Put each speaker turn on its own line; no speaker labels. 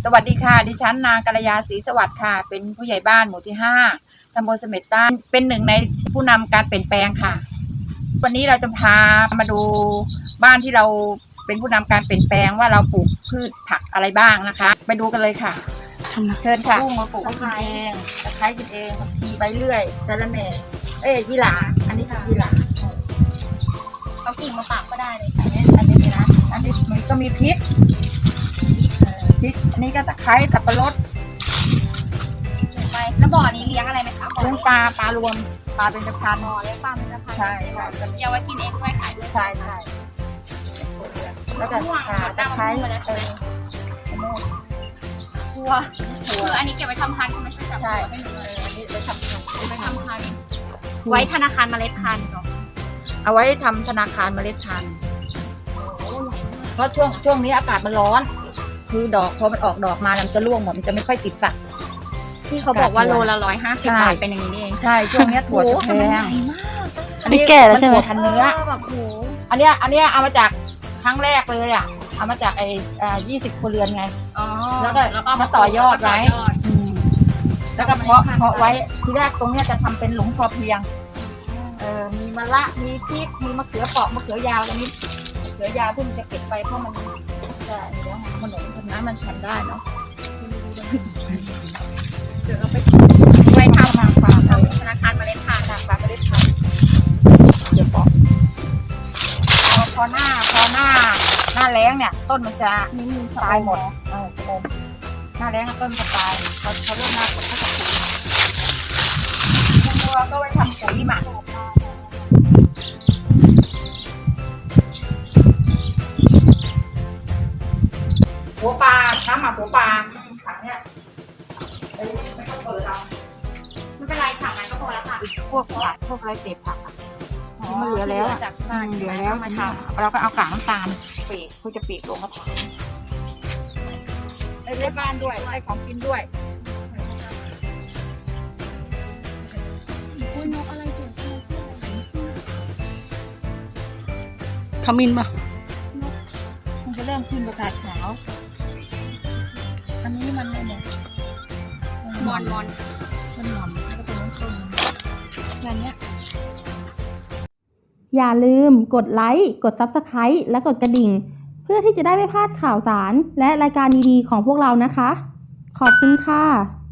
สวัสดีค่ะดิฉันนางกัลยาศรีสวัสดิ์ค่ะเป็นผู้ใหญ่บ้านหมู่ที่5ตำบลเสม็ดใต้เป็นหนึ่งในผู้นำการเปลี่ยนแปลงค่ะวันนี้เราจะพามาดูบ้านที่เราเป็นผู้นำการเปลี่ยนแปลงว่าเราปลูกพืชผักอะไรบ้างนะคะไปดูกันเลยค่ะเชิญค่ะกุ้งมาปลูกกินเองตะไคร้กินเองผักชีใบเลื่อยสะระแหน่ยี่หร่าอันนี้คือยี่หร่า
เอากิ่งมาปากก็ได้เลยค่ะ
อันนี้นะอันนี้มันก็มีพริกอันนี้ก็ตะไคร้สับปะรด
ไปแล้วบ่อนี้เลี้ยงอะไรไหมคะ
เลี้ยงปลารวมปลาเป็นพัน
บ่อเลี้ยงปลาเป็นพัน
ใช่
เดี๋ยวไว้กินเองด้วยขายด้วย
ใช่แล้วก็ตะไคร้
ทัวคืออันนี้เก็บไว้ทำพันธุ์ใช่ไหมใช่
อันนี้ไว้ทำพันธุ์
ไว้ธนาคารเมล็ดพันธุ์เนาะ
เอาไว้ทำธนาคารเมล็ดพันธุ์เพราะช่วงนี้อากาศมันร้อนคือดอกพอมันออกดอกมามันจะร่วงหมดมันจะไม่ค่อยติดฝัก
ที่เขาบอกว่าโลละ150 บาทเป็นอย่างนี้นี่เอง
ใช่ช่วงนี้ถั่วแพง
อันนี้แก่แล้วใช่ไหม
ถั่วพันเนื้ออันเนี้ยเอามาจากครั้งแรกเลยอ่ะเอามาจาก20 ครัวเรือนไงแล้วก็มาต่อยอดไว้แล้วก็เพาะไว้ทีแรกตรงเนี้ยจะทำเป็นหลุมพอเพียงมีมะระมีพริกมีมะเขือเปราะมะเขือยาวตรงนี้มะเขือยาวที่มันจะเก็บไปเพราะมันจะเดี๋ยวมันหนุนน้ำมันฉันได้เนาะ
เดี๋ยวเราไปไว้ทำธนาคารเมล็ดพันธุ์
ปลาเมล็ดพันธุ์เดี๋ยวพอหน้าแล้งเนี่ยต้นมันจะตายหมดหน้าแล้งต้นจะตายเขาเริ่มหน้าฝนก็จะปุ๋ยตัวก็ไว้ทำปุ๋ยหมักหัวปลาน้ำหมักหัวปลาถังเนี้ยไม่ต้องเปิดเอา
ไม่เป็นไรถังนั้นก็พอแล้วค่ะ
พวกผักพวกอะไรเศษผักที่มันเหลือแล้วเหลือแล้วมาทำเราก็เอากากน้ำตาลปีกเขาจะปีกลงมาทำได้บ้านด้วยได้ของกินด้วย
ขมิ้นป่ะ
มันจะเริ่มขึ้นประกาศขาวอันนี้มันไม่หมด
มอน
มันหม่อนแล้วก็เป็นน้ำส้มแบบนี้
อย่าลืมกดไลค์กด Subscribe และกดกระดิ่งเพื่อที่จะได้ไม่พลาดข่าวสารและรายการดีๆของพวกเรานะคะขอบคุณค่ะ